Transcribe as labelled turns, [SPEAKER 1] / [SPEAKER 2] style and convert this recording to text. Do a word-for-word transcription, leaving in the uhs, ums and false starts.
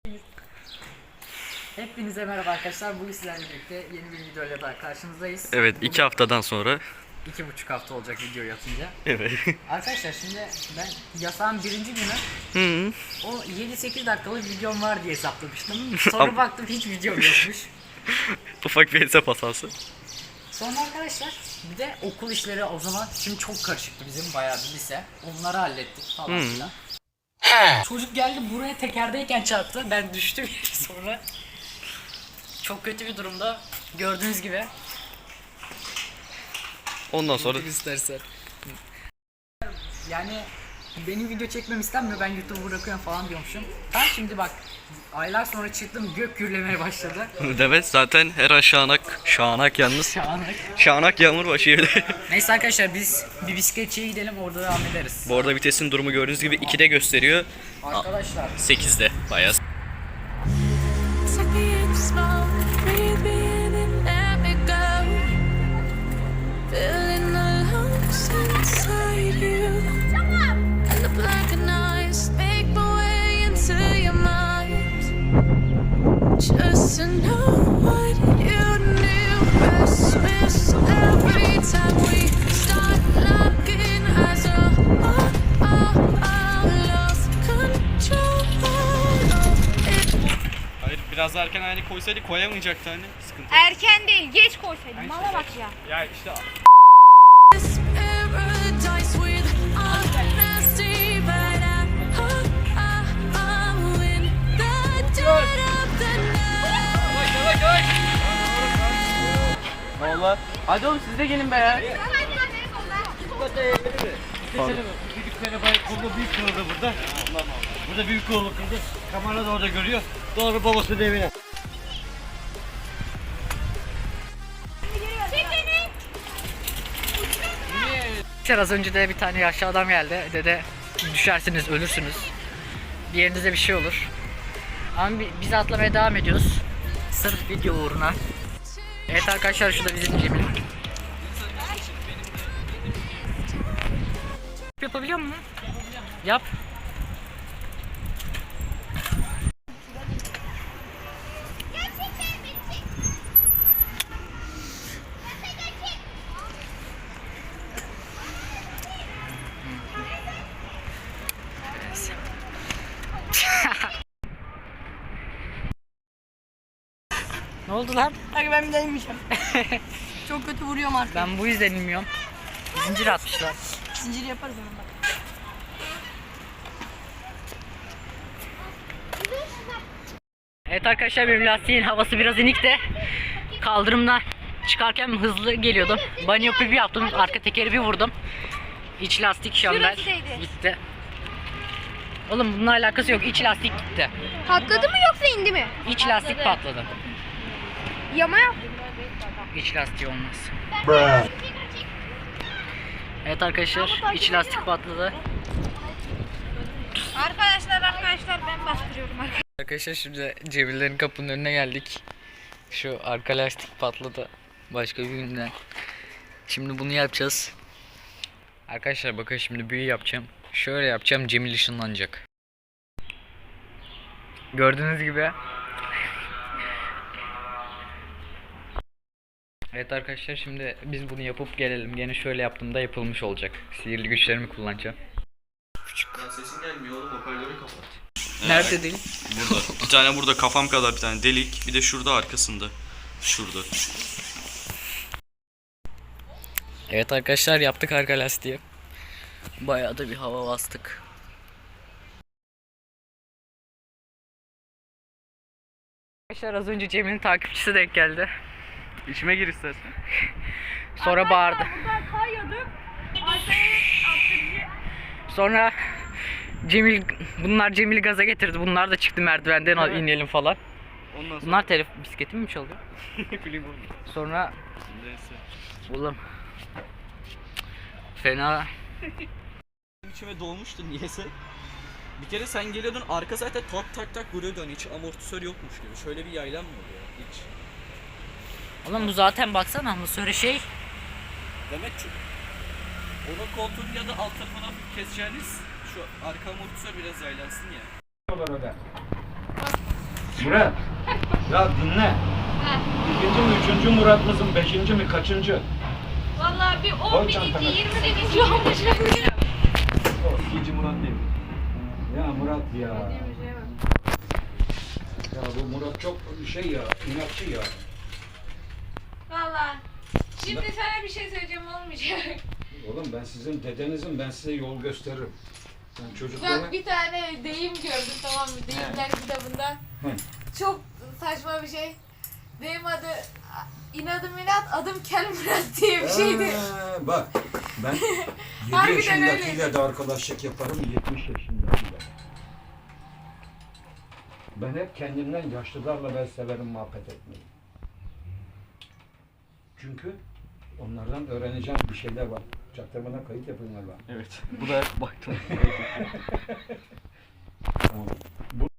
[SPEAKER 1] Hepinize merhaba arkadaşlar. Bugün sizlerle birlikte yeni bir videoyla daha karşınızdayız.
[SPEAKER 2] Evet,
[SPEAKER 1] Bugün
[SPEAKER 2] iki haftadan sonra.
[SPEAKER 1] iki buçuk hafta olacak videoyu atınca.
[SPEAKER 2] Evet.
[SPEAKER 1] Arkadaşlar şimdi ben yasağın birinci günü
[SPEAKER 2] Hı.
[SPEAKER 1] o yedi sekiz dakikalık videom var diye hesaplamıştım. Sonra baktım hiç videom yokmuş.
[SPEAKER 2] Ufak bir hesap hatası.
[SPEAKER 1] Sonra arkadaşlar bir de okul işleri o zaman şimdi çok karışıktı bizim bayağı bir lise. Onları hallettik falan
[SPEAKER 2] Hı.
[SPEAKER 1] filan. Çocuk geldi buraya tekerdeyken çarptı. Ben düştüm sonra. Çok kötü bir durumda. Gördüğünüz gibi.
[SPEAKER 2] Ondan sonra
[SPEAKER 1] istersen. Yani benim video çekmem istenmiyor, ben YouTube'u bırakıyorum falan diyormuşum. Tam şimdi bak, aylar sonra çıktım, gök gürlemeye başladı.
[SPEAKER 2] evet, zaten her an şanak, şanak yalnız.
[SPEAKER 1] Şahane.
[SPEAKER 2] Şanak yağmur başlıyor.
[SPEAKER 1] Neyse arkadaşlar, biz bir bisikletçiye gidelim, orada devam ederiz.
[SPEAKER 2] Bu arada vitesin durumu gördüğünüz gibi ikide gösteriyor.
[SPEAKER 1] Arkadaşlar
[SPEAKER 2] sekizde bayağı.
[SPEAKER 3] Just to know what you knew. Christmas every time we start looking as a oh, oh, oh, lost control.
[SPEAKER 2] Hayır, biraz daha erken hani koysaydı koyamayacaktı hani. Sıkıntı.
[SPEAKER 4] Erken değil, geç koysaydın. Mala bak ya.
[SPEAKER 2] Ya işte
[SPEAKER 3] This paradise with honesty, but I oh, oh, oh, in the dead of the night.
[SPEAKER 2] Valla.
[SPEAKER 1] hadi oğlum siz de gelin be ya.
[SPEAKER 5] Büyükleri bay kolda büyük kırıldı burada. Burada büyük kolu kırıldı. Kamera da orada görüyor. Doğru babası da evine.
[SPEAKER 1] Az önce de bir tane yaşlı adam geldi, dedi düşersiniz ölürsünüz, bir yerinize bir şey olur. Ama bi- biz atlamaya devam ediyoruz sırf video uğruna. Evet arkadaşlar, şu da bizim Cemil. Yapabiliyor musun? Yap. Ne oldu lan?
[SPEAKER 4] Hadi ben bir deneyeceğim. Çok kötü vuruyorum artık.
[SPEAKER 1] Ben bu yüzden inmiyorum. Zincir atmışlar.
[SPEAKER 4] Zincir yaparız onu bak.
[SPEAKER 1] Evet arkadaşlar, benim lastiğin havası biraz inik de kaldırımdan çıkarken hızlı geliyordum. Banyo bir yaptım, arka tekeri bir vurdum. İç lastik şamber
[SPEAKER 4] Şurasıydı.
[SPEAKER 1] gitti. Oğlum bununla alakası yok, iç lastik gitti.
[SPEAKER 4] Patladı mı yoksa indi mi?
[SPEAKER 1] İç lastik patladı.
[SPEAKER 4] Yama yap.
[SPEAKER 1] İç lastiği olmaz. Evet arkadaşlar, iç lastik patladı.
[SPEAKER 4] Arkadaşlar arkadaşlar ben bastırıyorum arkadaşlar.
[SPEAKER 1] Arkadaşlar şimdi Cemillerin kapının önüne geldik. Şu arka lastik patladı başka bir günden. Şimdi bunu yapacağız. Arkadaşlar bakın, şimdi büyü yapacağım. Şöyle yapacağım, Cemil ışınlanacak. Gördüğünüz gibi. Evet arkadaşlar, şimdi biz bunu yapıp gelelim. Gene şöyle yaptığımda yapılmış olacak. Sihirli güçlerimi kullanacağım.
[SPEAKER 2] Sesin gelmiyor oğlum, hoparlörü kapat.
[SPEAKER 1] Nerede değil?
[SPEAKER 2] Burada. Bir tane burada kafam kadar bir tane delik. Bir de şurada arkasında. Şurada.
[SPEAKER 1] Evet arkadaşlar, yaptık arka lastiği. Bayağı da bir hava bastık. Arkadaşlar az önce Cemil'in takipçisi denk geldi.
[SPEAKER 2] İçime gir istersen.
[SPEAKER 1] Sonra bağırdı.
[SPEAKER 4] Buradan kayıyorduk.
[SPEAKER 1] Sonra Cemil, bunlar Cemil'i gaza getirdi. Bunlar da çıktı merdivenden,
[SPEAKER 2] Evet.
[SPEAKER 1] inelim falan.
[SPEAKER 2] Ondan sonra
[SPEAKER 1] Bunlar telef bisikletimi mi çalıyor?
[SPEAKER 2] film oldu.
[SPEAKER 1] Sonra
[SPEAKER 2] Neyse.
[SPEAKER 1] oğlum fena.
[SPEAKER 6] İçime dolmuştu niyeyse. Bir kere sen geliyordun, arka zaten tak tak tak vuruyordu, hani hiç amortisör yokmuş gibi. Şöyle bir yaylan mı oluyor hiç?
[SPEAKER 1] Oğlum bu zaten baksana, bu söyle şey.
[SPEAKER 6] Demek ki onun koltuğun ya da alt tarafına keseceğiniz şu arka amortisör biraz yaylansın ya.
[SPEAKER 7] Murat. Ya dinle. İkinci mi, üçüncü Murat mısın, beşinci mi, kaçıncı?
[SPEAKER 8] Vallahi bir on
[SPEAKER 7] Koy
[SPEAKER 8] bin
[SPEAKER 7] çantana.
[SPEAKER 8] iki, yirmi bininci olmuş.
[SPEAKER 7] O ikinci Murat değil. Ya Murat ya. Ya bu Murat çok şey ya, inatçı ya.
[SPEAKER 8] Vallahi. Şimdi sana bir şey söyleyeceğim olmayacak.
[SPEAKER 7] Oğlum ben sizin dedenizim, ben size yol gösteririm. Sen çocuklara...
[SPEAKER 8] Bak bir tane deyim gördüm, tamam mı? Deyimler kitabında.
[SPEAKER 7] Hı.
[SPEAKER 8] Çok saçma bir şey. Deyim adı inadım inat, adım Kel Murat diye bir şeydi.
[SPEAKER 7] Ee, bak ben yedi
[SPEAKER 8] Harbiden
[SPEAKER 7] yaşındakiyle
[SPEAKER 8] öyle.
[SPEAKER 7] de arkadaşlık yaparım, yetmiş yaşındakiyle. Ben hep kendimden yaşlılarla ben severim muhabbet etmeyi. Çünkü onlardan öğreneceğim bir şeyler var. Çaktırmadan kayıt yapın galiba.
[SPEAKER 6] Evet. Bu da baktım.
[SPEAKER 7] Tamam. Bu